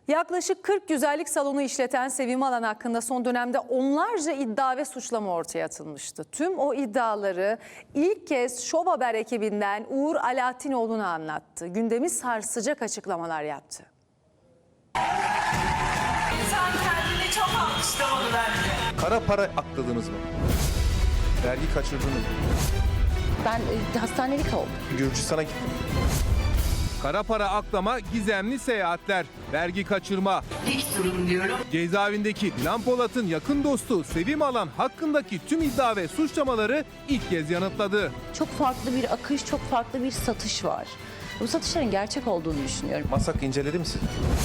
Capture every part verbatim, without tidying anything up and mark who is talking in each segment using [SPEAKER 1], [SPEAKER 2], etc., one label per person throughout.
[SPEAKER 1] Yaklaşık kırk güzellik salonu işleten Sevim Alan hakkında son dönemde onlarca iddia ve suçlama ortaya atılmıştı. Tüm o iddiaları ilk kez Şov Haber ekibinden Uğur Alaaddinoğlu'na anlattı. Gündemi sarsacak açıklamalar yaptı.
[SPEAKER 2] İnsan kendini çok alkışlamalı bence.
[SPEAKER 3] Kara para akladınız mı? Vergi kaçırdınız mı?
[SPEAKER 4] Ben e, hastanelik oldum.
[SPEAKER 3] Gürcistan'a gittim.
[SPEAKER 5] Kara para aklama, gizemli seyahatler, vergi kaçırma.
[SPEAKER 2] Dik durun diyorum.
[SPEAKER 5] Cezaevindeki Dilan Polat'ın yakın dostu Sevim Alan hakkındaki tüm iddia ve suçlamaları ilk kez yanıtladı.
[SPEAKER 4] Çok farklı bir akış, çok farklı bir satış var. Bu satışların gerçek olduğunu düşünüyorum.
[SPEAKER 3] Masak inceledi mi sizi?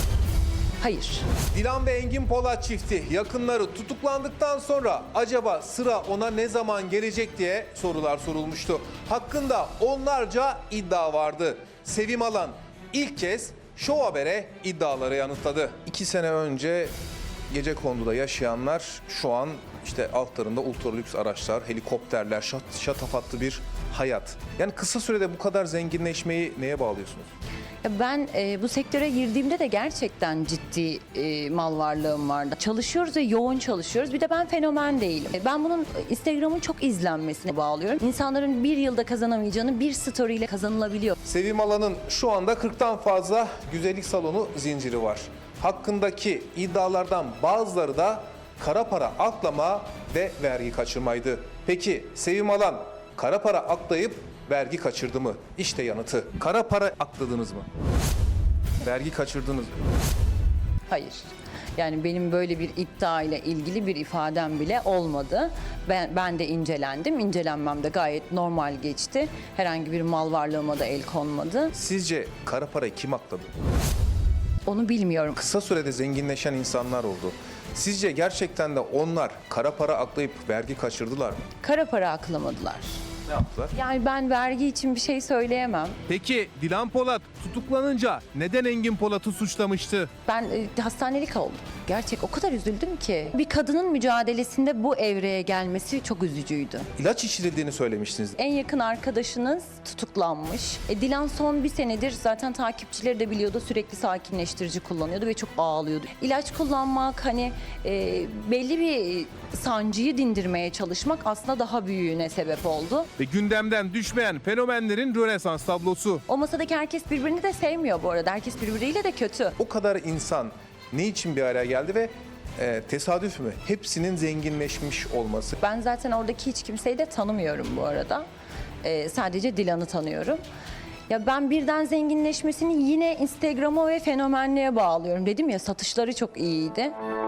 [SPEAKER 4] Hayır.
[SPEAKER 3] Dilan ve Engin Polat çifti yakınları tutuklandıktan sonra acaba sıra ona ne zaman gelecek diye sorular sorulmuştu. Hakkında onlarca iddia vardı. Sevim Alan ilk kez Şov Haber'e iddiaları yanıtladı. İki sene önce Gecekondu'da yaşayanlar şu an işte altlarında ultralüks araçlar, helikopterler, şat, şatafatlı bir hayat. Yani kısa sürede bu kadar zenginleşmeyi neye bağlıyorsunuz?
[SPEAKER 4] Ya ben e, bu sektöre girdiğimde de gerçekten ciddi e, mal varlığım vardı. Çalışıyoruz ve yoğun çalışıyoruz. Bir de ben fenomen değilim. E, Ben bunun Instagram'ın çok izlenmesine bağlıyorum. İnsanların bir yılda kazanamayacağını bir story ile kazanılabiliyor.
[SPEAKER 3] Sevim Alan'ın şu anda kırktan fazla güzellik salonu zinciri var. Hakkındaki iddialardan bazıları da kara para aklama ve vergi kaçırmaydı. Peki Sevim Alan kara para aklayıp vergi kaçırdı mı? İşte yanıtı. Kara para akladınız mı? Vergi kaçırdınız mı?
[SPEAKER 4] Hayır. Yani benim böyle bir iddia ile ilgili bir ifadem bile olmadı. Ben, ben de incelendim. İncelenmem de gayet normal geçti. Herhangi bir mal varlığıma da el konmadı.
[SPEAKER 3] Sizce kara parayı kim akladı?
[SPEAKER 4] Onu bilmiyorum.
[SPEAKER 3] Kısa sürede zenginleşen insanlar oldu. Sizce gerçekten de onlar kara para aklayıp vergi kaçırdılar mı?
[SPEAKER 4] Kara para aklamadılar.
[SPEAKER 3] Ne yaptılar?
[SPEAKER 4] Yani ben vergi için bir şey söyleyemem.
[SPEAKER 5] Peki Dilan Polat tutuklanınca neden Engin Polat'ı suçlamıştı?
[SPEAKER 4] Ben e, hastanelik oldum. Gerçek o kadar üzüldüm ki. Bir kadının mücadelesinde bu evreye gelmesi çok üzücüydü.
[SPEAKER 3] İlaç içirildiğini söylemiştiniz.
[SPEAKER 4] En yakın arkadaşınız tutuklanmış. E, Dilan son bir senedir zaten takipçileri de biliyordu, sürekli sakinleştirici kullanıyordu ve çok ağlıyordu. İlaç kullanmak, hani e, belli bir sancıyı dindirmeye çalışmak aslında daha büyüğüne sebep oldu.
[SPEAKER 5] Ve gündemden düşmeyen fenomenlerin Rönesans tablosu.
[SPEAKER 4] O masadaki herkes birbirini de sevmiyor bu arada. Herkes birbiriyle de kötü.
[SPEAKER 3] O kadar insan ne için bir araya geldi ve e, tesadüf mü? Hepsinin zenginleşmiş olması.
[SPEAKER 4] Ben zaten oradaki hiç kimseyi de tanımıyorum bu arada. Ee, sadece Dilan'ı tanıyorum. Ya ben birden zenginleşmesini yine Instagram'a ve fenomenliğe bağlıyorum. Dedim ya, satışları çok iyiydi.